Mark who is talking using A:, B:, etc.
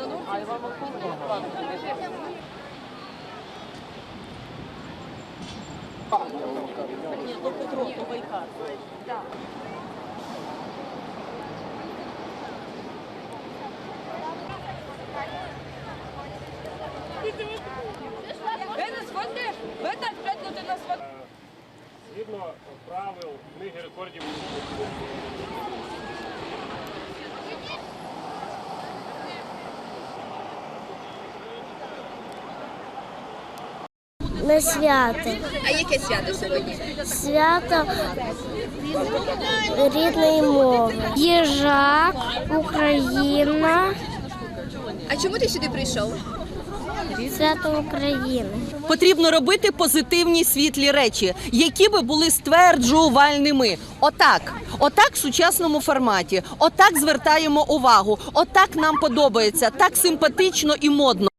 A: Згідно правил книги рекордів.
B: На свято.
C: А яке свято сьогодні?
B: Свято рідної мови. Їжак, Україна,
C: А чому ти сюди прийшов?
B: свято України.
D: Потрібно робити позитивні світлі речі, які би були стверджувальними. Отак в сучасному форматі, отак звертаємо увагу, отак нам подобається, так симпатично і модно.